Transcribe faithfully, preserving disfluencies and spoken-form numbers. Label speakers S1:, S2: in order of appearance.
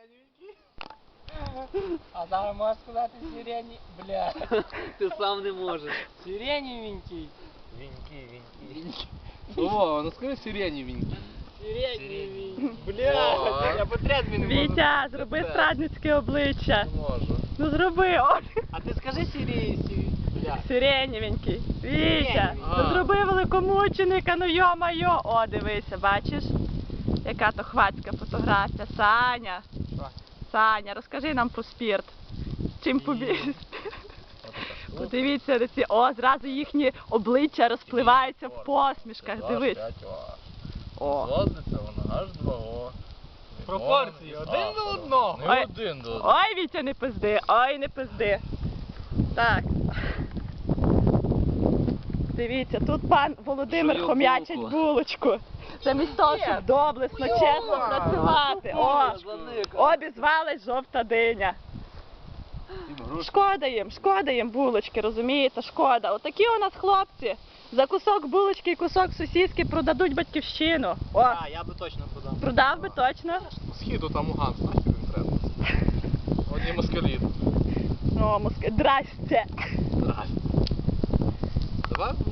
S1: А зараз можеш сказати сирені... Бля.
S2: Ти сам не можеш.
S1: Сиреневенький.
S2: Віньки, віньки.
S3: О, ну скажи сиреневенький.
S1: Сиреневенький. Бля, я потрясний не можу.
S4: Вітя, зроби
S1: Бля.
S4: страдницьке обличчя.
S3: Не можу.
S4: Ну зроби, о,
S1: А ти скажи сирі... Бля.
S4: сиренєвенький. Вітя,
S1: Сиренєвенький.
S4: ну
S3: А.
S4: зроби великомученика, ну йо-майо. О, дивися, бачиш? Яка то хвацька фотографія. Саня,
S1: Що?
S4: Саня, розкажи нам про спірт. Чим побіг? Подивіться на ці, о, зразу їхні обличчя розпливаються в посмішках, дивись. О.
S3: Злазиться вона аж два о.
S1: Пропорції, один до одного.
S3: Не
S4: Ой.
S3: один до одного.
S4: Ой, Вітя, не пизди, ой, не пизди. Так. Дивіться, тут пан Володимир
S2: Жую
S4: хом'ячить
S2: булку.
S4: булочку. Замість того, щоб доблесно, чесно працювати. О, обізвалась жовта диня. Шкода їм, шкода їм булочки, розумієте, шкода. Отакі у нас хлопці. За кусок булочки і кусок сосиски продадуть батьківщину. О,
S1: А, я би точно продав.
S4: продав би точно.
S3: Східу там уган, знаєш, він треба. Одні москалі.
S4: О, муска, здрасте.
S3: Давай